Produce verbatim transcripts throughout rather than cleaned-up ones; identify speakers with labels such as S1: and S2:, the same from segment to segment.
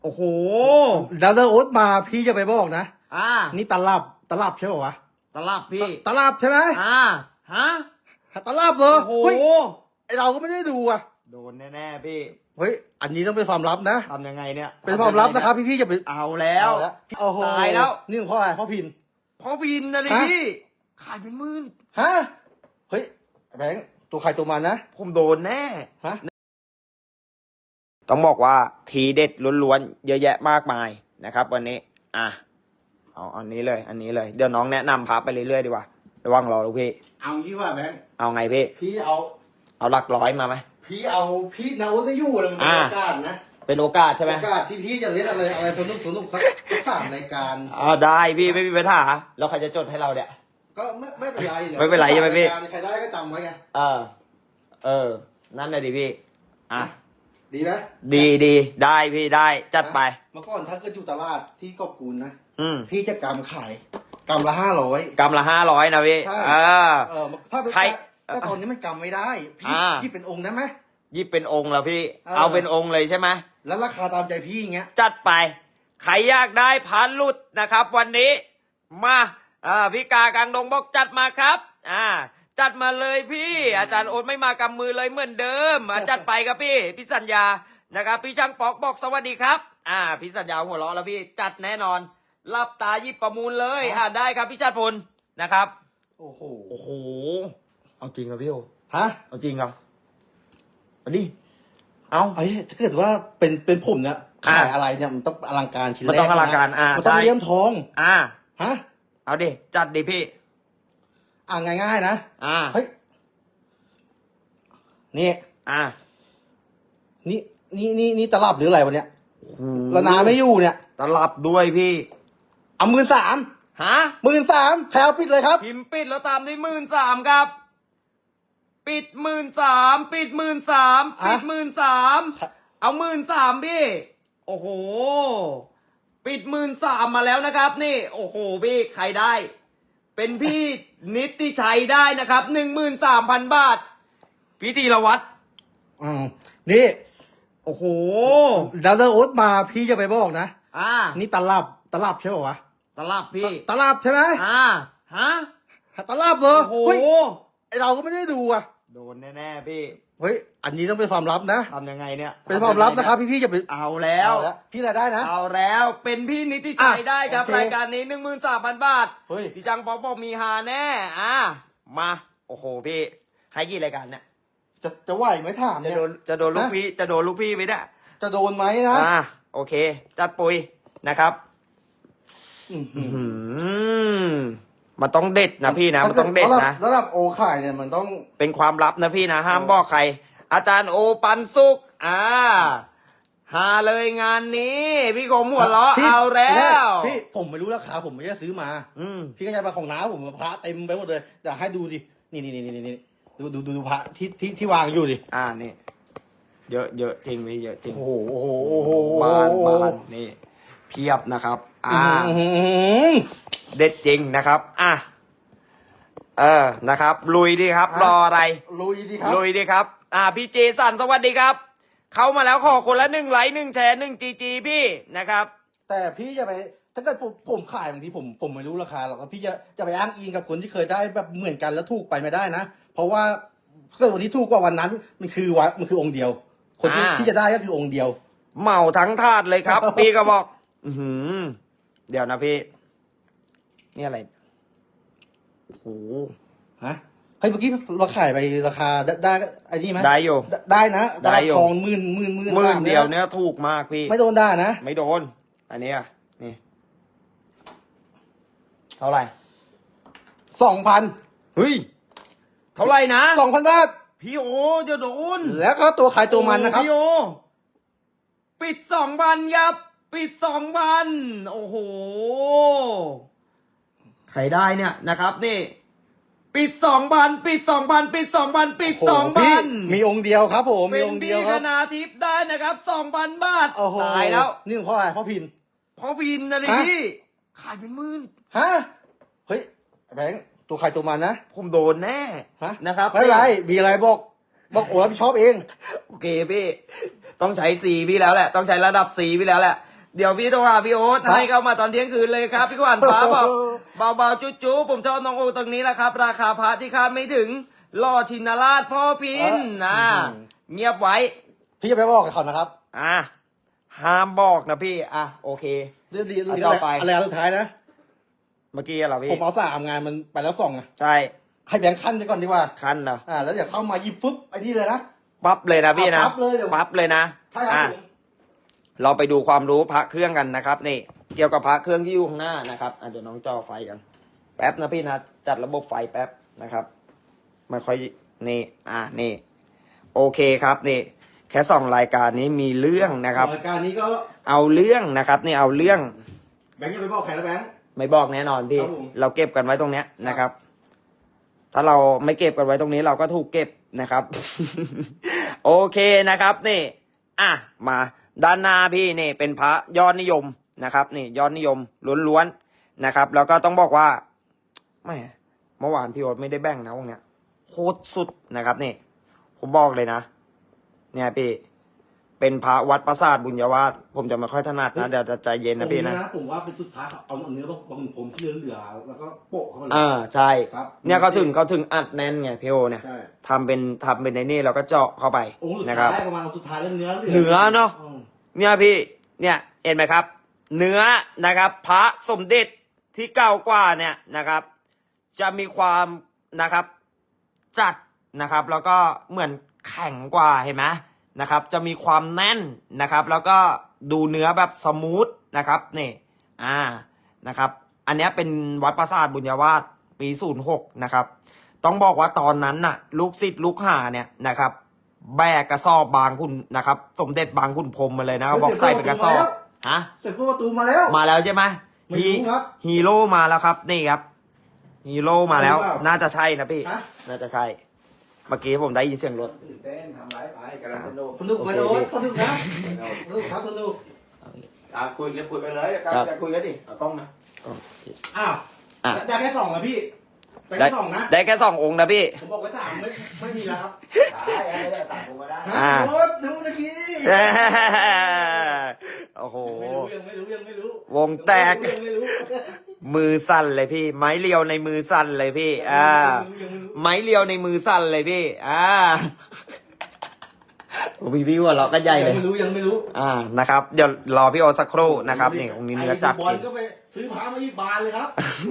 S1: โอ้โห
S2: ดาวเดอร์โอ๊ตมาพี่จะไปบอกนะ
S1: อ่า
S2: นี่ตลับตลับใช่ป่าวะ
S1: ตลับพี่
S2: ตลับใช่ไหม
S1: อ่าฮะ
S2: ตลับเหรอ
S1: โอ้โห
S2: ไอเราก็ไม่ได้ดูอ่ะ
S1: โดนแน่ๆพี่
S2: เฮ้ยอันนี้ต้องเป็นความลับนะ
S1: ทำยังไงเนี่ย
S2: เป็นความลับนะครับพี่พี่จะไป
S1: เอาแล้ว
S2: โอ้โห
S1: ตายแล้ว
S2: นี่เพราะอะไรเพราะพิน
S1: เพราะพินนะดิพี่ขายเป็นหมื่น
S2: ฮะเฮ้ยแบงค์ตัวใครตัวมันนะ
S1: ผมโดนแน่
S2: ฮะ
S1: ต้องบอกว่าทีเด็ดล้วนๆเยอะแยะมากมายนะครับวันนี้อ่ะเอาอันนี้เลย อันนี้เลยเดี๋ยวน้องแนะนำพับไปเรื่อยๆดีกว่าระวังรอลูกพี่
S2: เอางี้ว่าแบงค์
S1: เอาไงพี่
S2: พี่เอา
S1: เอาหลักร้อยมาไหม
S2: พี่เอาพี่นาโอจะยู่อะไรมันเป็นโอกาสนะ
S1: เป็นโอกาสใช่ไหม
S2: โอกาสที่พี่จะเล่นอะไรอะไรสนุกสนุกสักสามรายการ
S1: อ่าได้พี่ไม่มีปัญหาแล้วใครจะจดให้เราเนี่ย
S2: ก็ไม่ไม่เป็นไร
S1: ไม่เป็นไรใช่ไหมพี่
S2: ใครได้ก็จำไว้ไง
S1: เออเออนั่นเลยดิพี่อ่ะ
S2: ดีไหม
S1: ดีดีได้พี่ได้จัดไป
S2: เมื่อก่อนถ้าเกิดอยู่ตลาดที่กอบกูลนะ
S1: อืม
S2: พี่จะกำขายกำละห้าร้อย
S1: กำละห้าร้อยนะพี่เออ
S2: เออถ้าใครแต่ตอนนี้มันกำไม่ได้พี่พี่เป็นองค์ได้ไหม
S1: ยี่เป็นองค์แล้วพี่เอาเป็นองค์เลยใช่ไหม
S2: แล้วราคาตามใจพี่อย่างเงี้ย
S1: จัดไปใครอยากได้พันหลุดนะครับวันนี้มาอ่าพี่กากลางดงบอกจัดมาครับอ่าจัดมาเลยพี่อาจารย์โอ๊ตไม่มากำมือเลยเหมือนเดิมอ่าจัดไปครับพี่พี่สัญญานะครับพี่ช่างปอกบอกสวัสดีครับอ่าพี่สัญญาหัวเราะแล้วพี่จัดแน่นอนรับตายิบประมูลเลยอ่าได้ครับพี่ชาติพลนะครับ
S2: โอ้โห
S1: โอ้โหเอาจริงครับพี่โอ
S2: ฮะ
S1: เอาจริงครับเอาดิเอา
S2: ไอ้ถ้าเกิดว่าเป็นเป็นผมเนี่ยขายอะไรเนี่ยมันต้องอลังการชิ้นแรก
S1: มันต้องอลังการอ่า
S2: มันต้องเลี้ยมทอง
S1: อ่า
S2: ฮะ
S1: เอาดิจัดดิพี่
S2: อ่าง่ายๆนะ
S1: อ่า
S2: เฮ้ยนี่
S1: อ่า
S2: นี่นี่นี่นี่ตลับหรืออะไรวะเนี่ยละนาไม่อยู่เนี่ย
S1: ตลับด้วยพี่
S2: เอาหมื่นสาม
S1: ฮะ
S2: หมื่นสามแถวปิดเลยครับ
S1: พิมพ์ปิดแล้วตามด้วยหมื่นสามครับปิดหมื่นสามปิดหมื่นสามปิดหมื่นสามเอาหมื่นสามพี่โอ้โหปิดหมื่นสามมาแล้วนะครับนี่โอ้โหพี่ใครได้เป็นพี่นิติชัยได้นะครับหนึ่งหมื่นสามพันบาทพี่ธีรวัตร
S2: อืมนี่
S1: โอ้โห
S2: ดาวเดอร์โอ๊ตมาพี่จะไปบอกนะ
S1: อ่า
S2: นี่ตลับตลับใช่ป่าวะ
S1: ตลับพี่
S2: ตลับใช่ไหม
S1: อ่าฮะ
S2: ตลับเหรอ
S1: โอ้โห
S2: ไอเราก็ไม่ได้ดูอ่ะ
S1: โดนแน่ๆพี่
S2: เฮ้ยอันนี้ต้องเป็นความลับนะ
S1: ทำยังไงเนี่ย
S2: เป็นความลับนะครับพี่พี่จะไป
S1: เอาแล้ว
S2: พี่รายได้นะ
S1: เอาแล้วเป็นพี่นิติชัยได้ครับรายการนี้หนึ่งหมื่นสามพันบาทเฮ้ยพี่จังปอกบอกมีฮาแน่อ่ามาโอ้โหพี่ให้กี่รายการเนี่ย
S2: จะจะไหวไหมถาม
S1: จะโดนจะโดนลูกพี่จะโดนลูกพี่ไหมเนี่ย
S2: จะโดนไหมนะ
S1: อ่าโอเคจัดปุยนะครับอืมมันต้องเด็ดนะพี่นะมันต้องเด็ดนะ
S2: ระดับโอข่ายเนี่ยมันต้อง
S1: เป็นความลับนะพี่นะห้ามบอกใครอาจารย์โอปันสุกอ่าหาเลยงานนี้พี่กรมหัวเราะเอาแล้ว
S2: พี่ผมไม่รู้ราคาผมไม่ได้ซื้อมาอืมพี่ก็ใช้ปลาของน้าผมพระเต็มไปหมดเลยอยากให้ดูดินี่นี่นี่นี่นี่ดูดูดูพระที่ที่ที่วางอยู่ดิ
S1: อ่านี่เยอะเยอะจริงพี่เยอะจริง
S2: โอ้โหโอ้โหโอ้โห
S1: บานบานนี่เพียบนะครับอ่าเด็ดจริงนะครับอ่ะเออนะครับลุยดีครับรออะไร
S2: ลุยดีครับ
S1: ลุยดีครับอ่าพี่เจสันสวัสดีครับเข้ามาแล้วขอคนละหนึ่งไลค์หนึ่งแชร์หนึ่งจีจีพี่นะครับ
S2: แต่พี่จะไปถ้าเกิดผมผมขายบางทีผมผมไม่รู้ราคาหรอกพี่จะจะไปอ้างอิงกับคนที่เคยได้แบบเหมือนกันแล้วถูกไปไม่ได้นะเพราะว่าเกิดวันที่ถูกกว่าวันนั้นมันคือวะมันคือองค์เดียวคนที่ที่จะได้ก็คือองค์เดียว
S1: เหมาทั้งถาดเลยครับ พี่ก็บอกอือเดี๋ยวนะพี่นี่อะไรโอ้โห
S2: ฮะเฮ้ยเมื่อกี้เราขายไปราคาได้ไอ้นี่ไหม
S1: ได้อยู่
S2: ได้นะได้ทองหมื่นหมื่นหมื่น
S1: หมื่นเดียวเนี้ยถูกมากพี่
S2: ไม่โดนได้นะ
S1: ไม่โดนอันนี้อ่ะนี่เท่าไหร่
S2: สองพัน
S1: เฮ้ยเท่าไหร่นะ
S2: สองพันบาท
S1: พี่โอจะโดน
S2: แล้วก็ตัวขายตัวมันนะครับ
S1: พี่โอปิดสองพันครับปิดสองพันโอ้โหใครได้เนี่ยนะครับนี่ปิดสองพันปิดสองพันปิดสองพันปิดสองพัน
S2: มีองค์เดียวครับผม
S1: มีองค์เดียวครับเป็นพี่คณาทิพย์ได้นะครับสองพันบาทตายแล้ว
S2: นี่เพราะอะไรเพราะพิน
S1: เพราะพินนะดิพี่ขายเป็นหมื่น
S2: ฮะเฮ้ยแบงค์ตัวใครตัวมันนะ
S1: ผมโดนแน่นะครับ
S2: ไม่ไรมีอะไรบอกบอกโอ้รับผิดชอบเอง
S1: โอเคพี่ต้องใช้สีพี่แล้วแหละต้องใช้ระดับสีพี่แล้วแหละเดี๋ยวพี่โทรหาพี่โอ๊ต
S2: ครับ
S1: ให้เข้ามาตอนเที่ยงคืนเลยครับพี่ขวัญฟ้าบอกเบาๆจุ๊ๆผมชอบน้องโอตรงนี้แหละครับ ราคาพระที่คาดไม่ถึงล่อชินราชพ่อพินนะเงียบไว้
S2: พี่จะไปบอกกับเขานะครับ
S1: อ่ะห้ามบอกนะพี่อ่ะโอเค
S2: เรื่องดี
S1: อันต่อไป
S2: อะไรอันสุดท้ายนะ
S1: เมื่อกี้เหรอพี่
S2: ผมเอาสามงานมันไปแล้วสองอะ
S1: ใช่
S2: ให้แบงค์ขั้นไปก่อนดีกว่า
S1: คันเหรอ
S2: อ่า แล้วเดี๋ยวเข้ามาหยิบฟึบไอ้นี่เลยนะ
S1: ปั๊บเลยนะพี่นะ
S2: ปั๊บเลยเดี๋ยว
S1: ปั๊บเลยนะ
S2: ใช่ครับ
S1: อ่ะ
S2: ผม
S1: เราไปดูความรู้พระเครื่องกันนะครับ นี่ เกี่ยวกับพระเครื่องที่อยู่ข้างหน้านะครับอ่ะเดี๋ยวน้องจอไฟกัน แป๊บนะพี่นะจัดระบบไฟแป๊บนะครับไม่ค่อยนี่อ่ะนี่ โอเคครับนี่ แค่สองรายการนี้มีเรื่องนะครับ
S2: รายการนี้ก็
S1: เอาเรื่องนะครับนี่เอาเรื่อง
S2: แบงค์จะไปบอกใครนะแบงค์
S1: ไม่บอกแน่นอนพี่
S2: ครับผม
S1: เราเก็บกันไว้ตรงเนี้ยนะครับ ถ้าเราไม่เก็บกันไว้ตรงนี้เราก็ถูกเก็บนะครับ โอเคนะครับนี่ อ่ะมาด้านหน้าพี่นี่เป็นพระยอดนิยมนะครับ นี่ยอดนิยมล้วนๆนะครับ แล้วก็ต้องบอกว่าไม่เมื่อวานพี่โอ๊ตไม่ได้แบ่งนะวงเนี้ยโคตรสุดนะครับนี่ ผมบอกเลยนะ เนี่ยพี่ เป็นพระวัดปราสาทบุญญาวาสผมจะไม่ค่อยถนัดนะเดี๋ยวจะใจเย็นนะพี่นะ
S2: ผมว่าเป็นสุดท้ายเอาเนื้อบางผมที่เหลือๆแล้วก็โปะเข้าไปเลย
S1: อ่าใช่
S2: ครับ
S1: เนี่ยเขาถึงเขาถึงอัดแน่นไงพี่โอเนี่ย
S2: ใช่
S1: ทำเป็นทำเป็นในนี่เราก็เจาะเข้าไป
S2: องค์สุด
S1: นะครับ
S2: ท้ายประมาณองค์สุดท้ายแล้วเนื้อเหลือ
S1: เหนือเนอะ
S2: อืม
S1: เนี่ยพี่เนี่ยเห็นไหมครับ เนื้อนะครับ พระสมเด็จที่เก่ากว่าเนี่ยนะครับ จะมีความนะครับจัดนะครับ แล้วก็เหมือนแข็งกว่าเห็นไหมนะครับ จะมีความแน่นนะครับ แล้วก็ดูเนื้อแบบสมูทนะครับนี่อ่านะครับ อันเนี้ยเป็นวัดปราสาทบุญญาวาสปีศูนย์หกนะครับ ต้องบอกว่าตอนนั้นน่ะ ลูกศิษย์ลูกหาเนี่ยนะครับ แบกกระสอบบางคุณนะครับ สมเด็จบางคุณพรหมมาเลยนะบอกใส่เป็นกระสอบฮะ
S2: เสร็จพวกประตูมาแล้ว
S1: มาแล้วใช่ไหม
S2: ไม่รู้ครับ
S1: ฮีโร่มาแล้วครับนี่ครับฮีโร่มาแล้ว
S2: ใช่หรือเปล่า
S1: น่าจะใช่นะพี่
S2: ฮะ
S1: น่าจะใช่เมื่อกี้ผมได้ยินเสียงรถ
S3: ตื่นเต้นทำไรไปกำลังสนุก
S2: สนุกไหม
S1: โอเค
S2: โน้ตสนุกนะสนุกครับสนุก
S3: อ่ะคุยกันคุยไปเลยกัน
S1: ครับ
S3: จะคุยกันดิเอากล้องมา
S2: อ้าว
S1: อ่ะ
S2: ได้แค่สองนะพี่ได้
S1: ได้
S2: แค่สองนะ
S1: ได้แค่สององค์นะพี่
S2: ผมบอกไว้สามไม่ไม่มีแล้วครับ
S3: ได้ไม่ได้สั่งผมก็ได้
S2: ฮะ
S1: อ่า
S2: โน้ตดูตะกี้
S1: โอ้โห
S2: ไม่รู้ยังไม่รู้ยังไม่รู้
S1: วงแตก
S2: ยังไม่รู้
S1: มือสั่นเลยพี่ ไม้เรียวในมือสั่นเลยพี่ อ่า
S2: ยังไม่รู้
S1: ไม้เรียวในมือสั่นเลยพี่ อ่าโอ้พี่พี่ว่าเราะก็ใหญ่
S2: ยั
S1: เลย
S2: งไม่รู้ยังไม่รู้
S1: อ่านะครับ เดี๋ยวรอพี่โอตสักครู่นะครับนี่องค์นี้เนื้อจัด
S2: ไบอลก็ไปซื้อพามาที่บานเลยครับ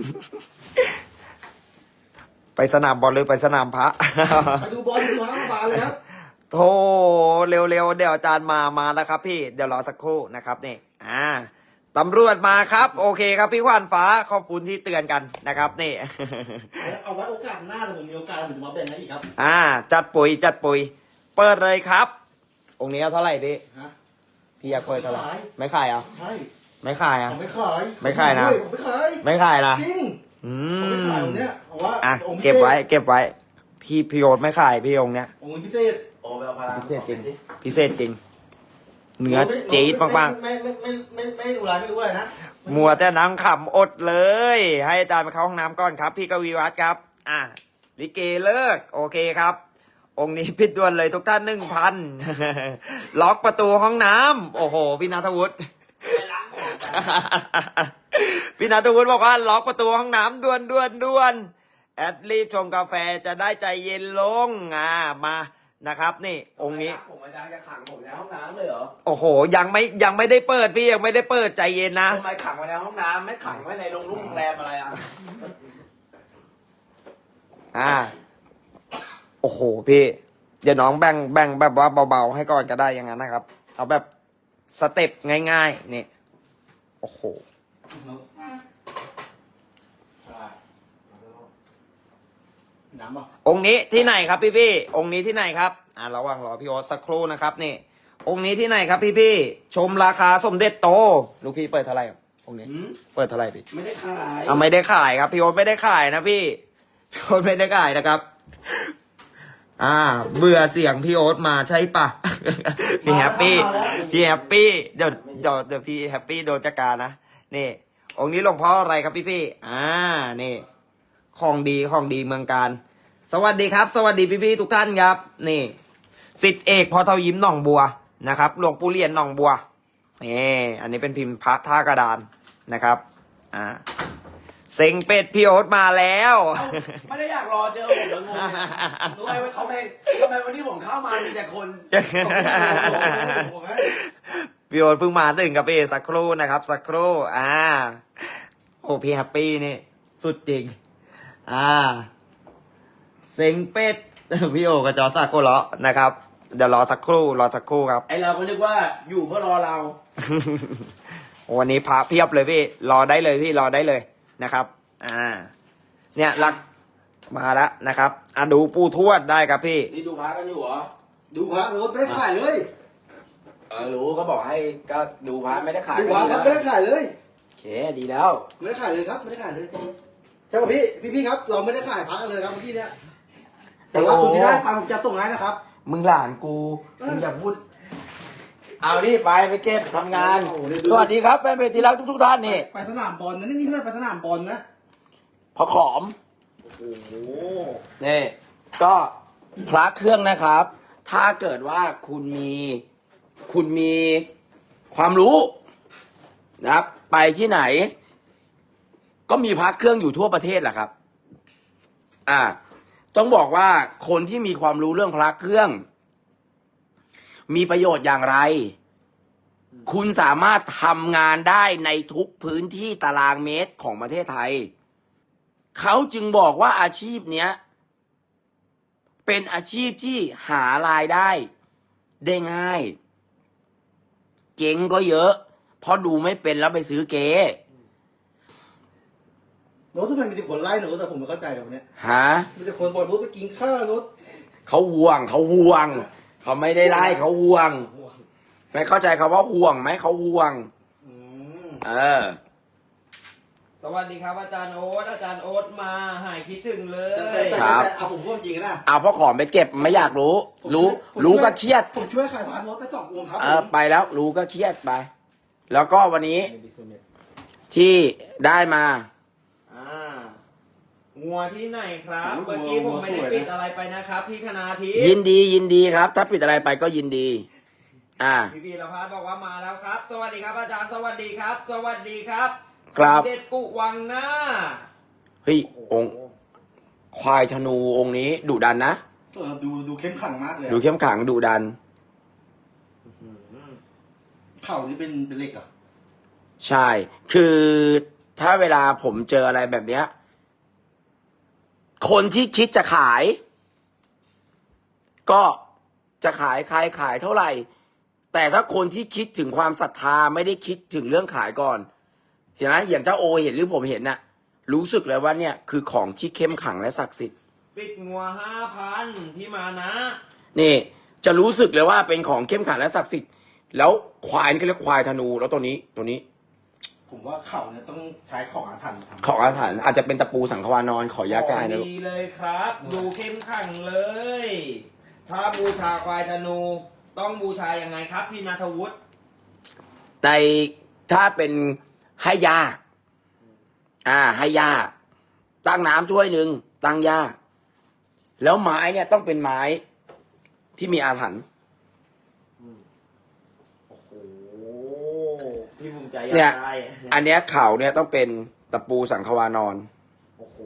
S1: ไปสนามบอลหรือไปสนามพระ
S2: ไปดูบอลซื้อพามาบานเลยครับ
S1: โธ่เร็วๆเดี๋ยวอาจารย์มามาแล้วครับพี่เดี๋ยวรอสักครู่นะครับนี่อ่าตำรวจมาครับ โอเคครับพี่ขวานฟ้าขอบคุณที่เตือนกันนะครับนี่
S2: เอาไว้โอกาสหน้าถ้าผมมีโอกาสผมจะมาแบ่งให้อีกครับ
S1: อ่า จัดปุ๋ยจัดปุ๋ย เปิดเลยครับ องค์นี้เอาเท่าไหร่พี่
S2: ฮะ
S1: พี่อยากเปิดเท่าไหร่
S2: ไม่ขาย
S1: ไม่ขายเหรอ่ะ
S2: ใช่
S1: ไม่ขายอ่ะ
S2: ผมไม่ขาย
S1: ไม่ขายนะ
S2: ผมไม่ขาย
S1: ไม่ขายนะ
S2: จริง
S1: อื
S2: ผมไม่
S1: ม
S2: ขายองค์เนี้ยเพราะว่า
S1: อ่ะ
S2: องค์พิศษ
S1: เก็บไว้ เก็บไว้ พี่พี่โยนไม่ขายพี่องค์เนี้ย
S2: องค์พิเศษ
S3: โอ้ไปเอาพลัง
S1: พิเศษจริง
S3: ดิ
S1: พิเศษจริง เนื้อจี๊ดมาก
S2: ไม่ไม่ไม่ไม่ไม่ไม่ดูอะไรไม่รู้อะไรนะ
S1: ๆมัวแต่นั่งขำอดเลย ให้อาจารย์ไปเข้าห้องน้ำก่อนครับ พี่กวีวัฒน์ครับ อ่ะลิเกเลิก โอเคครับ องค์นี้พิดด่วนเลยทุกท่านหนึ่งพัน ล็อกประตูห้องน้ำโอ้โห พี่นัทวุฒิ พี่นัทวุฒิบอกว่าล็อกประตูห้องน้ำด่วนด่วนด่วนแอดรีบชงกาแฟจะได้ใจเย็นลงอ่ามานะครับ นี่ องค์นี้
S3: ผมอาจารย์จะขังผมในห้องน้ำเลยเหรอ
S1: โอ้โห ยังไม่ยังไม่ได้เปิดพี่ยังไม่ได้เปิดใจเย็นนะ
S3: ทำไมขังไว้ในห้องน้ำไม่ขังไว้ในโรงรุ่งโรงแรมอะไรอ่ะ
S1: อ่า โอ้โหพี่ เดี๋ยวน้องแบ่งแบ่งแบบว่าเบาๆให้ก่อนก็ได้อย่างนั้นนะครับ เอาแบบสเต็ปง่ายๆนี่โอ้โห
S2: น้ำป่ะ
S1: องค์นี้ที่ไหนครับพี่พี่ๆองค์นี้ที่ไหนครับอ่าระหว่างรอพี่โอ๊ตสักครู่นะครับนี่ องค์นี้ที่ไหนครับพี่พี่ๆชมราคาสมเด็จโตลูกพี่เปิดเท่าไหร่ครับองค์นี้
S3: หืม
S1: เปิดเท่าไหร่พี่
S3: ไม่ได้ขาย
S1: อ่าไม่ได้ขายครับพี่โอ๊ตไม่ได้ขายนะพี่พี่โอ๊ตไม่ได้ขายนะครับ อ่า เบื่อเสียงพี่โอ๊ตมาใช่ปะ พี่แฮปปี้พี่แฮปปี้เดี๋ยวเดี๋ยวเดี๋ยวพี่แฮปปี้โดนจัดการนะนี่ องค์นี้หลวงพ่ออะไรครับพี่พี่ๆอ่านี่ ของดีของดีเมืองการ สวัสดีครับ สวัสดีพี่ๆทุกท่านครับ นี่สิทธิเอกพอเทายิ้มหนองบัวนะครับหลวงปู่เรียนหนองบัวนี่อันนี้เป็นพิมพ์พระท่ากระดานนะครับอ่าเซ็งเป็ดพี่โอ๊ตมาแล้ว
S3: ไม่ได้อยากรอเจอผมแล้วงงรู้ไหมว่าเขาไม่ทำไมวันนี้ผมเข้ามามีแต่คน
S1: พี่โอ๊ตเพิ่งมาถึงกับพี่สักครู่นะครับสักครู่อ่าโอ้พี่แฮปปี้นี่สุดจริงอ่าเซ็งเป็ด พี่โอกับจอสักโกเลาะนะครับเดี๋ยวรอสักครู่รอสักครู่ครับ
S3: ไอเราก็นึกว่าอยู่เพื่อรอเรา
S1: วันนี้พระเพียบเลยพี่รอได้เลยพี่รอได้เลยนะครับอ่าเนี่ยรักมาแล้วนะครับอ่ะดูปูทวดได้ครับพี่
S3: นี่ดูพระกันอยู่เหรอ
S2: ดูพระรถไม่ได้ขายเลย
S3: เออรู้ก็บอกให้ก็ดูพระไม่ได้ขาย
S2: ดูพระครับไม่ได้ขายเลย
S3: โอเคดีแล้ว
S2: ไม่ได้ขายเลยครับไม่ได้ขายเลยใช่ป่ะพี่พี่พี่ครับ เราไม่ได้ขายพระกันเลยครับเมื่อกี้เนี้ยแต่ว่าคุณที่ได้ไปผมจะส่งให้นะครับ
S3: มึงหลานกูมึงอย่าพูดเอานี่ไปไปเก็บทำงาน
S2: โอ้โหนี่ดู
S3: สวัสดีครับแฟนเพจที่รักทุกๆท่านนี่
S2: ไปสนามบอลนะนี่นี่ไม่ได้ไปสนามบอลนะ
S3: พอขอม
S2: โอ้โห
S3: นี่ก็พระเครื่องนะครับ ถ้าเกิดว่าคุณมีคุณมีความรู้นะครับ ไปที่ไหน ก็มีพระเครื่องอยู่ทั่วประเทศแหละครับ อ่า ต้องบอกว่าคนที่มีความรู้เรื่องพระเครื่อง มีประโยชน์อย่างไร คุณสามารถทำงานได้ในทุกพื้นที่ตารางเมตรของประเทศไทย เขาจึงบอกว่าอาชีพเนี้ย เป็นอาชีพที่หารายได้ได้ง่าย เจ๊งก็เยอะ เพราะดูไม่เป็นแล้วไปซื้อเก๊
S2: รถทุกคนมีแต่คนไล่หนูแต่ผมไม่เข้าใจตรงเนี้ย
S3: ฮะ
S2: มีแต่คนบอกรถไปกินข้าวรถ
S3: เขาห่วงเขาห่วง เขาไม่ได้ไล่เขาห่วง ไม่เข้าใจคำว่าห่วงไหมเขาห่วง
S2: อืม
S3: เออ
S1: สวัสดีครับอาจารย์โอ๊ตอาจารย์โอ๊ตมาหายคิดถึงเล
S2: แต่แต่
S1: ย
S2: แต่
S3: ครับ
S2: แต่เอาผมพูดจริงนะ
S3: เอาพ่อขอมไปเก็บไม่อยากรู้ รู้ รู้ก็เครียด
S2: ผมช่วยขายพานรถไปสององค์ครับ
S3: เออไปแล้วรู้ก็เครียดไป แล้วก็วันนี้ที่ได้มา
S1: อ่างัวที่ไหนครับ เมื่อกี้ผมไม่ได้ปิดอะไรไปนะครับ พี่คณาทิพ
S3: ยิ
S1: ย์
S3: นดียินดีครับ ถ้าปิดอะไรไปก็ยินดี อ่า
S1: พี่พีรพัฒน์บอกว่ามาแล้วครับ สวัสดีครับอาจารย์สวัสดีครับ สวัสดีครับ
S3: ครับ
S1: สมเด็จกุวังหน้า
S3: เฮ้ยองค์ควายธนูองค์นี้ดุดันนะ
S2: เออดูดูเข้มขังมากเลย
S3: ดูเข้มขังดุดัน
S2: เข่านี่เป็นเป็นเหล็กเหรอ่ะ
S3: ใช่ คือถ้าเวลาผมเจออะไรแบบเนี้ย คนที่คิดจะขาย ก็จะขายใครขายเท่าไหร่ แต่ถ้าคนที่คิดถึงความศรัทธาไม่ได้คิดถึงเรื่องขายก่อนเห็นไหมอย่างเจ้าโอเห็นหรือผมเห็นน่ะ รู้สึกเลยว่าเนี่ยคือของที่เข้มขังและศักดิ์สิทธิ์
S1: ปิดงัวห้าพันพี่มานะ
S3: นี่ จะรู้สึกเลยว่าเป็นของเข้มขังและศักดิ์สิทธิ์แล้วควายนี่เขาเรียกควายธนูแล้วตัวนี้ตัวนี้
S2: ผมว่าเข่าเนี่ยต้องใช้ของอาถรรพ์ทำ
S3: ของอาถรรพ์อาจจะเป็นตะปูสังขวานอนขอยากายนะลูก
S1: ดีเลยครับ ดูเข้มขังเลย ถ้าบูชาควายธนู ต้องบูชายังไงครับ พี่นัทวุฒิ
S3: ในถ้าเป็นให้ยาอ่า ให้ยาตั้งน้ำถ้วยหนึ่งตั้งยาแล้วไม้เนี่ยต้องเป็นไม้ที่มีอาถรรพ์
S1: โอ้โหพี่ภูมิใจอยาก
S3: เนี่ย
S1: ได้
S3: อันเนี้ยเข่าเนี่ยต้องเป็นตะปูสังขวานอน
S1: โอ้โห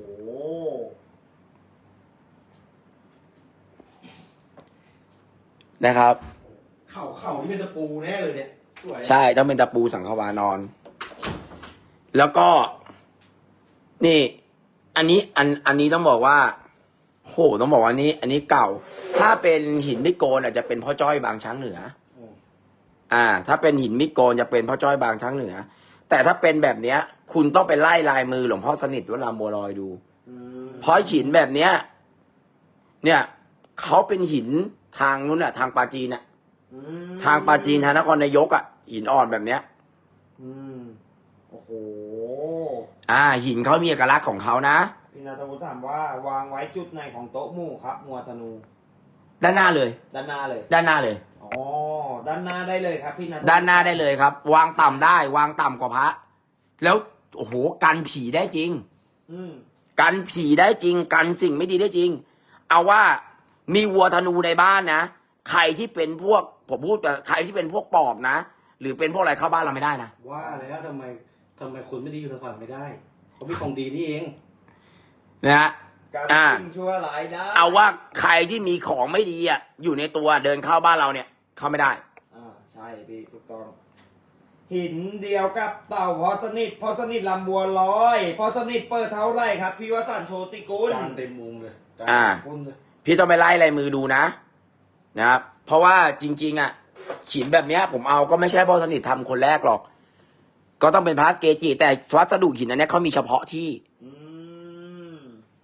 S3: นะครับ
S2: เข่าเข่านี่เป็นตะปูแน่เลยเนี่ยสวย
S3: ใช่ต้องเป็นตะปูสังขวานอน แล้วก็ นี่ อันนี้อันอันนี้ต้องบอกว่าโหต้องบอกว่านี้ อันนี้เก่า ถ้าเป็นหินมิโกนอาจจะเป็นพ่อจ้อยบางช้างเหนือ
S2: อืม
S3: อ่า ถ้าเป็นหินมิโกนจะเป็นพ่อจ้อยบางช้างเหนือ แต่ถ้าเป็นแบบเนี้ย คุณต้องไปไล่ลายมือหลวงพ่อสนิทวัดรามบัวลอยดู
S1: อืม
S3: เพราะหินแบบเนี้ย เนี่ยเขาเป็นหินทางนู้นน่ะ ทางปาจีนน่ะ
S1: อืม
S3: ทางปาจีนทางนครนายกอ่ะหินอ่อนแบบเนี้ย
S1: อืมโอ้โห
S3: อ่า หินเขามีเอกลักษณ์ของเขานะ
S1: พี่นัทวุฒิถามว่าวางไว้จุดไหนของโต๊ะหมู่ครับงัวธนู
S3: ด้านหน้าเลย
S1: ด้านหน้าเลย
S3: ด้านหน้าเลย
S1: อ๋อ ด้านหน้าได้เลยครับพี่นัทวุฒิ
S3: ด้านหน้าได้เลยครับ วางต่ำได้ วางต่ำกว่าพระ แล้วโอ้โหกันผีได้จริง
S1: อืม
S3: กันผีได้จริง กันสิ่งไม่ดีได้จริง เอาว่ามีวัวธนูในบ้านนะใครที่เป็นพวกผมพูดแต่ใครที่เป็นพวกปอบนะหรือเป็นพวกอะไรเข้าบ้านเราไม่ได้นะ
S2: ว่าแล้วทำไมทำไมคนไม่ดีอยู่ทางฝั่งไม่ได้เขามีของดีนี่เอง
S3: นะฮะ
S1: การ
S3: อ่า
S1: ทิ้งชั่วร้ายได้
S3: เอาว่าใครที่มีของไม่ดีอ่ะอยู่ในตัวเดินเข้าบ้านเราเนี่ย เข้าไม่ได้
S1: อ่าใช่พี่ถูกต้องหินเดียวกับเต่าพอสนิทพอสนิทลำบัวลอยพอสนิทเปิดเท่าไรครับพี่วสันต์โชติกุล
S2: จานเต็มมุงเลยจาน
S3: อ่า
S2: ก้นเลย
S3: พี่ต้องไปไล่ลายมือดูนะนะครับ เพราะว่าจริง ๆ อ่ะหินแบบเนี้ย ผมเอาก็ไม่ใช่พ่อสนิททำคนแรกหรอก ก็ต้องเป็นพระเกจิ แต่วัสดุหินอันเนี้ยเขามีเฉพาะที่
S1: อืม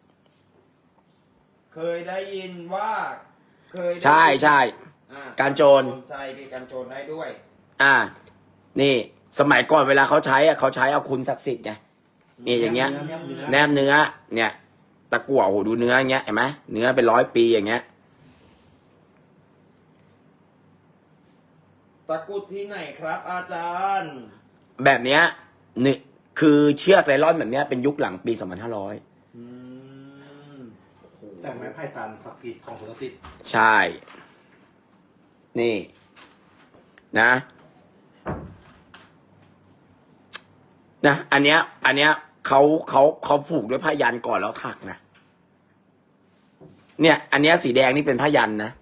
S1: เคยได้ยินว่า เคยได้
S3: ใช่ใช่
S1: อ่า
S3: การโจร
S1: ใช่พี่การโจรได้ด้วย
S3: อ่า นี่ สมัยก่อนเวลาเขาใช้อ่ะเขาใช้เอาคุณศักดิ์สิทธิ์ไงนี่อย่างเงี้ย แนบเนื้อ เนี่ย ตะกั่วโอ้โหดูเนื้ออย่างเงี้ยเห็นไหมเนื้อเป็นร้อยปีอย่างเงี้ย
S1: ตะกรุดที่ไหนครับ อาจารย์
S3: แบบเนี้ยนี่คือเชือกไนลอนแบบเนี้ยเป็นยุคหลังปีสองพันห้าร้อย
S1: อืมโอ้โห
S2: แต่ไม้ไผ่ตันศักดิ์สิทธิ์ของศักดิ์สิทธิ์
S3: ใช่ นี่ นะ นะ อันเนี้ย อันเนี้ยเขาเขาเขาผูกด้วยผ้ายันก่อนแล้วถักนะ เนี่ย อันเนี้ยสีแดงนี่เป็นผ้ายันนะ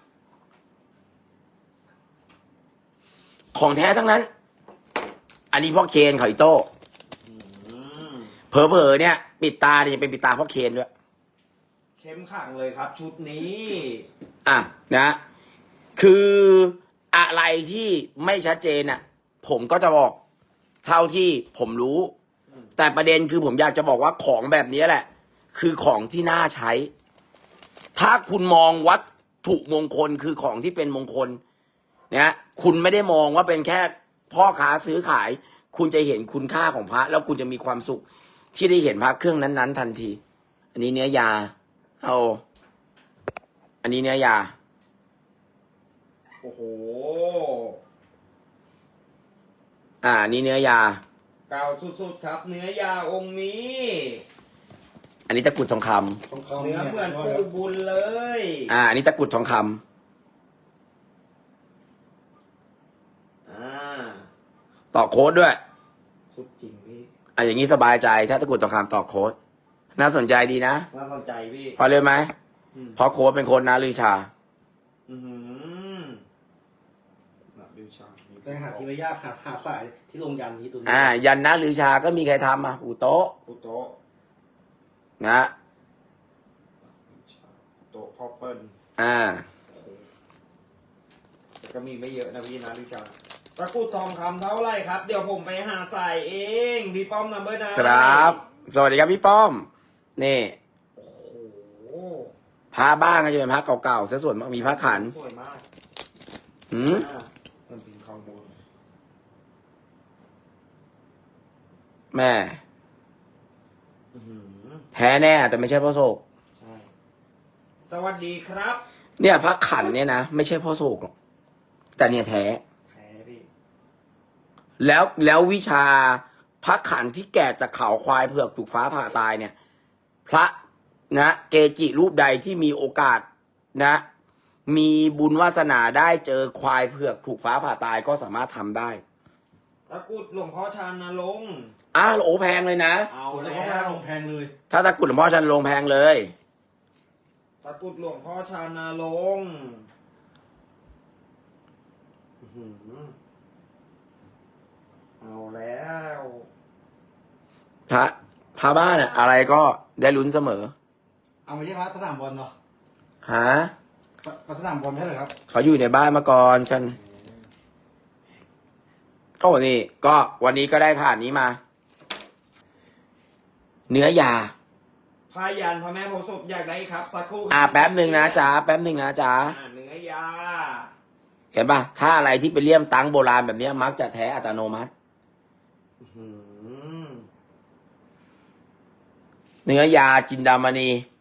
S3: ของแท้ทั้งนั้น อันนี้พ่อเคนเขาอิโต้
S1: อืม
S3: เผลอๆเนี่ย ปิดตาเนี่ยจะเป็นปิดตาพ่อเคนด้วย
S1: เข้มขังเลยครับ ชุดนี้
S3: อ่ะนะ คืออะไรที่ไม่ชัดเจนอ่ะ ผมก็จะบอกเท่าที่ผมรู้ แต่ประเด็นคือผมอยากจะบอกว่าของแบบนี้แหละ คือของที่น่าใช้ ถ้าคุณมองวัตถุมงคลคือของที่เป็นมงคลนะคุณไม่ได้มองว่าเป็นแค่พ่อค้าซื้อขาย คุณจะเห็นคุณค่าของพระ แล้วคุณจะมีความสุข ที่ได้เห็นพระเครื่องนั้นๆทันที อันนี้เนื้อยาเอาอันนี้เนื้อยา
S1: โอ้โห
S3: อ่า นี่เนื้อยา
S1: เก่าสุดๆครับ เนื้อยาองค์นี้
S3: อันนี้ตะกรุดทองคำ
S2: ต้องเข้า
S1: เนื้อเหมือนปูบุญเลย
S3: อ่า อันนี้ตะกรุดทองคำ
S1: อ่า
S3: ต่อโค้ดด้วย
S1: สุดจริงพี่
S3: อ่ะอย่างนี้สบายใจ ถ้าตะกรุดทองคำต่อโค้ด น่าสนใจดีนะ
S1: น่าสนใจพี่
S3: พอเลยไหม
S1: อืม
S3: เพราะโค้ดเป็นโค้ดนาลือชา
S1: อือหือน่าดูชา
S2: แต่หาที่ไม่ยากหาหาสายที่ลงยันนี้ตัวนี้
S3: อ่า ยันนาลือชาก็มีใครทำอ่ะอูโต๊ะ
S1: อุโต๊ะ
S3: นะ
S1: อุโต๊ะพ่อเปิ้ล
S3: อ่า
S1: แต่ก็มีไม่เยอะนะพี่นะดูชาตะกรุดทองคำเท่าไหร่ครับ เดี๋ยวผมไปหาใส่เองพี่ป้อมนัมเบอร์นะครับ
S3: สวัสดีครับพี่ป้อม นี่
S1: โอ้โห
S3: พระบ้างก็จะเป็นพระเก่าๆซะส่วนมากมีพระขัน
S1: สวยมาก
S3: หืม
S1: อ่ามันเป็นข้างบน
S3: แม่
S1: อื้อหือ
S3: แท้แน่แต่ไม่ใช่พ่อโศก
S1: ใช่ สวัสดีครับ
S3: เนี่ยพระขันเนี่ยนะไม่ใช่พ่อโศกหรอก แต่เนี่ยแท้
S1: แพ้พี่
S3: แล้วแล้ววิชาพระขันที่แกะจากเขาควายเผือกถูกฟ้าผ่าตายเนี่ย พระนะเกจิรูปใดที่มีโอกาสนะ มีบุญวาสนาได้เจอควายเผือกถูกฟ้าผ่าตายก็สามารถทำได้
S1: ตะกรุดหลวงพ่อชานนรงค์
S3: อ้าวโอ้แพงเลยนะ
S1: เอา
S2: เอาแล้
S1: แล้ว ว
S2: ลงแพงเลย
S3: ถ้าตะกรุดหลวงพ่อชันลงแพงเลย
S1: ตะกรุดหลวงพ่อชานนรงค์อื้อหือเอาแล้ว
S3: พระพระบ้านอะอะไรก็ได้ลุ้นเสมอ
S2: เอาไม่ใช่พระสนามบอลเนาะ
S3: ฮะ
S2: พระสนามบอลไม่ใช่เหรอครับ
S3: เขาอยู่ในบ้านมาก่อนฉันโอ้นี่ ก็วันนี้ก็ได้ถาดนี้มา เนื้อยา
S1: พายันพระแม่โพธิ์ศพอยากได้ครับสักครู่
S3: อ่าแป๊บหนึ่งนะจ๊ะแป๊บหนึ่งนะจ๊ะ
S1: อ่าเนื้อยา
S3: เห็นปะถ้าอะไรที่เป็นเลี่ยมตังโบราณแบบเนี้ยมักจะแท้อัตโนมัติ
S1: อื้อหือ
S3: เนื้อยาจินดามณี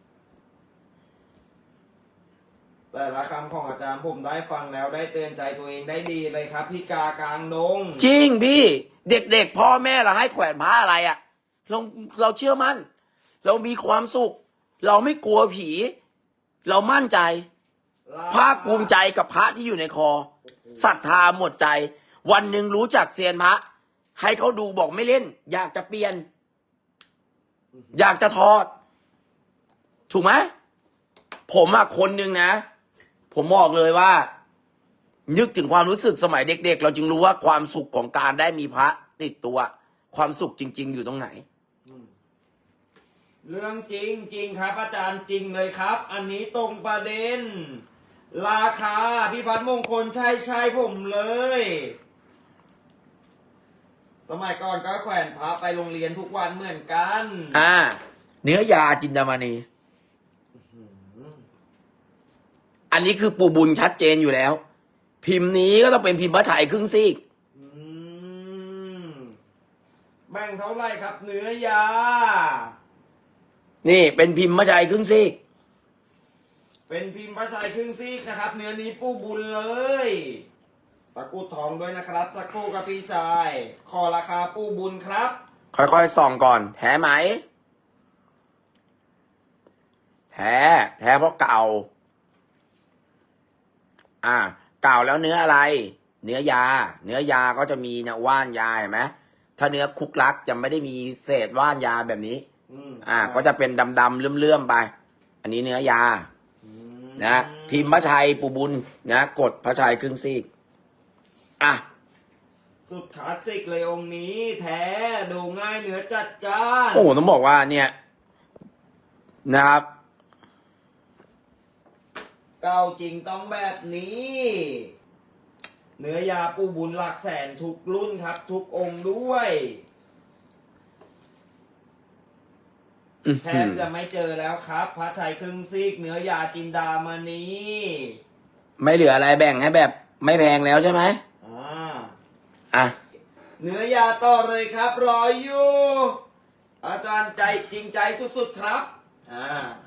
S1: แต่ละคำของอาจารย์ผมได้ฟังแล้วได้เตือนใจตัวเองได้ดีเลยครับพี่กากลางดง
S3: จริงพี่ เด็กๆพ่อแม่เราให้แขวนผ้าอะไรอะเราเราเชื่อมั่น เรามีความสุข เราไม่กลัวผี เรามั่นใจ ภาคภูมิใจกับพระที่อยู่ในคอศรัทธาหมดใจวันหนึ่งรู้จักเซียนพระให้เขาดูบอกไม่เล่น อยากจะเปลี่ยน อยากจะถอด ถูกไหมผมอะคนหนึ่งนะ ผมบอกเลยว่า นึกถึงความรู้สึกสมัยเด็กๆ เราจึงรู้ว่าความสุขของการได้มีพระติดตัว ความสุขจริง ๆ อยู่ตรงไหน
S1: เรื่องจริงจริงครับ อาจารย์จริงเลยครับ อันนี้ตรงประเด็น ราคาพี่พัฒน์มงคลใช่ใช่ผมเลย สมัยก่อนก็แขวนพระไปโรงเรียนทุกวันเหมือนกัน
S3: อ่า เนื้อยาจินดามณี อันนี้คือปูบุญชัดเจนอยู่แล้ว พิมพ์นี้ก็ต้องเป็นพิมพ์พระชัยครึ่งซีก
S1: อืมแบ่งเท่าไหร่ครับ เนื้อยา
S3: นี่เป็นพิมพ์พระชัยครึ่งซีก
S1: เป็นพิมพ์พระชัยครึ่งซีกนะครับ เนื้อนี้ปูบุญเลย ตะกรุดทองด้วยนะครับ สักครู่กับพี่ชาย ขอราคาปูบุญครับ
S3: ค่อยๆส่องก่อน แท้ไหม แท้ แท้เพราะเก่า อ่า เก่าแล้วเนื้ออะไร เนื้อยา เนื้อยาก็จะมีเนี่ยว่านยาเห็นไหมถ้าเนื้อคุกลักจะไม่ได้มีเศษว่านยาแบบนี้
S1: อืม
S3: อ่า ก็จะเป็นดำๆเลื่อมๆไป อันนี้เนื้อยา นะพิมพ์พระชัยปูบุญนะกดพระชัยครึ่งซีก อ่ะ
S1: สุดคลาสสิกเลยองค์นี้ แท้ดูง่ายเนื้อจัดจ้าน
S3: โอ้โหต้องบอกว่าเนี่ยนะครับ
S1: เก่าจริงต้องแบบนี้ เนื้อยาปูบุญหลักแสนทุกรุ่นครับ ทุกองค์ด้วย
S3: อื้อ
S1: แท
S3: หื
S1: บ
S3: อ
S1: จะไม่เจอแล้วครับ พระชัยครึ่งซีก เนื้อยาจินดามณี
S3: ไม่เหลืออะไรแบ่งให้แบบไม่แพงแล้วใช่ไหม
S1: อ่า
S3: อ่ะ
S1: เนื้อยาต่อเลยครับ รออยู่ อาจารย์ใจจริงใจสุดๆครับ อ่า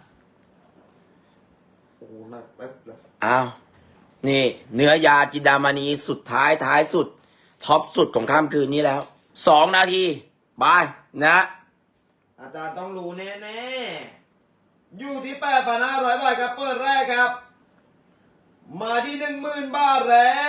S1: โอ้โหหนักแป๊บเลย
S3: อ้าว นี่ เนื้อยาจินดามณีสุดท้ายท้ายสุด ท็อปสุดของค่ำคืนนี้แล้ว สองนาที บาย นะ
S1: อาจารย์ต้องรู้แน่ๆ อยู่ที่ แปดพันห้าร้อย บาทครับ เปิดแรกครับ มาที่ หนึ่งหมื่น บาทแล้ว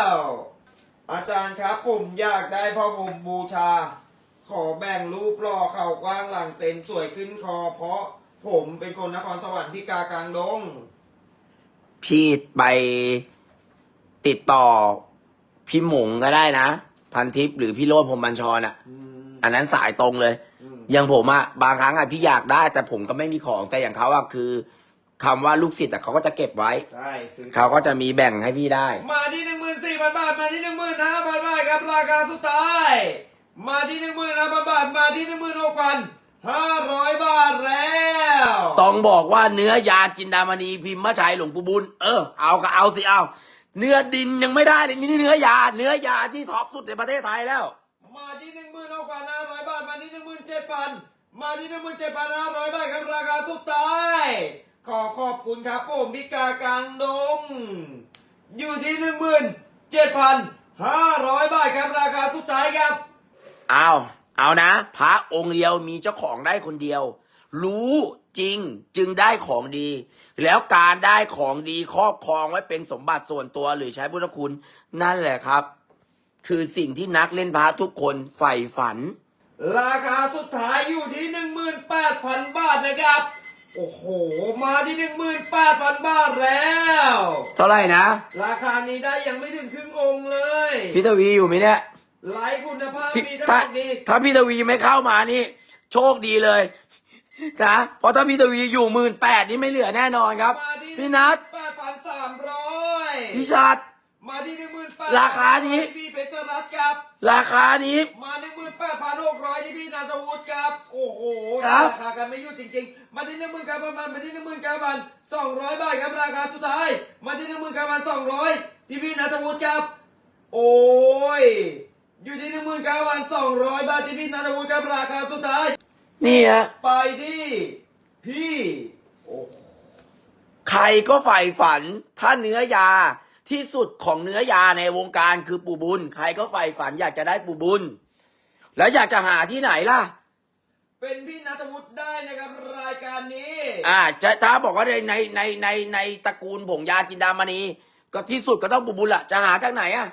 S1: อาจารย์ครับผมอยากได้พ่อผมบูชา ขอแบ่งรูปหล่อเข่ากว้างหลังเต็มสวยขึ้นคอ เพราะผมเป็นคนนครสวรรค์พิกากลางดง
S3: พี่ไปติดต่อ พี่หมงก็ได้นะ พันทิพย์หรือพี่โรจน์พรหมบัญชรอ่ะ
S1: อืม
S3: อันนั้นสายตรงเลย
S1: อืม
S3: อย่างผมอะบางครั้งอะพี่อยากได้ แต่ผมก็ไม่มีของแต่อย่างเขาอะคือคำว่าลูกศิษย์อะเขาก็จะเก็บไว้
S1: ใช่ซื้อ
S3: เขาก็จะมีแบ่งให้พี่ได้
S1: มาที่ หนึ่งหมื่นสี่พัน บาท มาที่ หนึ่งหมื่นห้าพัน บาทครับ ราคาสุดท้าย มาที่ หนึ่งหมื่นห้าพัน บาท มาที่ หนึ่งหมื่นหกพันห้าร้อย บาทแล้ว
S3: ต้องบอกว่าเนื้อยาจินดามณีพิมพ์พระชัยหลวงปู่บุญเออเอาก็เอาสิเอา เนื้อดินยังไม่ได้เลยนี่เนื้อยา เนื้อยาที่ท็อปสุดในประเทศไทยแล้ว
S1: มาที่ หนึ่งหมื่นหกพันห้าร้อย บาท มาที่ หนึ่งหมื่นเจ็ดพัน มาที่ หนึ่งหมื่นเจ็ดพันห้าร้อย บาทครับ ราคาสุดท้าย ขอขอบคุณครับผมพิกากลางดง อยู่ที่ หนึ่งหมื่นเจ็ดพันห้าร้อย บาทครับ ราคาสุดท้ายครับ
S3: เอาเอานะ พระองค์เดียวมีเจ้าของได้คนเดียว รู้จริงจึงได้ของดี แล้วการได้ของดีครอบครองไว้เป็นสมบัติส่วนตัวหรือใช้พุทธคุณ นั่นแหละครับ คือสิ่งที่นักเล่นพระทุกคนใฝ่ฝัน
S1: ราคาสุดท้ายอยู่ที่ หนึ่งหมื่นแปดพัน บาทนะครับ โอ้โห มาที่ หนึ่งหมื่นแปดพัน บาทแล้ว
S3: เท่าไหร่นะ
S1: ราคานี้ได้ยังไม่ถึงครึ่งองค์เลย
S3: พี่ทวีอยู่ไหมเนี่ย
S1: ไลฟ์คุณภาพ
S3: ที่
S1: มีทั้ง
S3: ถ้า
S1: หมดนี้
S3: ถ้าพี่ทวีไม่เข้ามานี่ โชคดีเลยนะเพราะถ้าพี่ทวีอยู่หมื่นแปดนี่ไม่เหลือแน่นอนครับ
S1: มาที่
S3: พี่นัท
S1: แปดพันสามร้อย
S3: พี่ชัด
S1: มาที่หนึ่งหมื่นแปด
S3: ราคานี้
S1: ที่พี่เพชรรัตน์ครับ
S3: ราคานี้
S1: มาหนึ่งหมื่นแปดพันหกร้อยที่พี่นันทวุฒิครับ โอ้โห
S3: ครับ
S1: ราคากันไม่หยุดจริงๆ มาที่หนึ่งหมื่นเก้าพันมาที่หนึ่งหมื่นเก้าพันสองร้อยบาทครับราคาสุดท้าย มาที่หนึ่งหมื่นเก้าพันสองร้อยที่พี่นันทวุฒิครับ โอ้ย อยู่ที่หนึ่งหมื่นเก้าพันสองร้อยบาทที่พี่นันทวุฒิครับราคาสุดท้าย
S3: นี่ฮะ
S1: ไปที่พี่โอ้
S3: ใครก็ใฝ่ฝัน ถ้าเนื้อยาที่สุดของเนื้อยาในวงการคือปู่บุญ ใครก็ใฝ่ฝันอยากจะได้ปู่บุญ แล้วอยากจะหาที่ไหนล่ะ
S1: เป็นพี่นัทวุฒิได้นะครับรายการนี้
S3: อ่าจะถ้าบอกว่าในในในในในตระกูลผงยาจินดามณีก็ที่สุดก็ต้องปู่บุญละจะหาจากไหนอ่ะ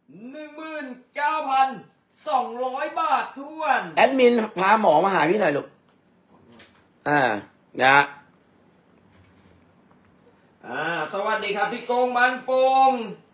S1: หนึ่งหมื่นเก้าพันสองร้อยบาททวน
S3: แอดมินพาหมอมาหาพี่หน่อยลูก อ่า นะ
S1: อ่า สวัสดีครับพี่โกงบ้านโป่ง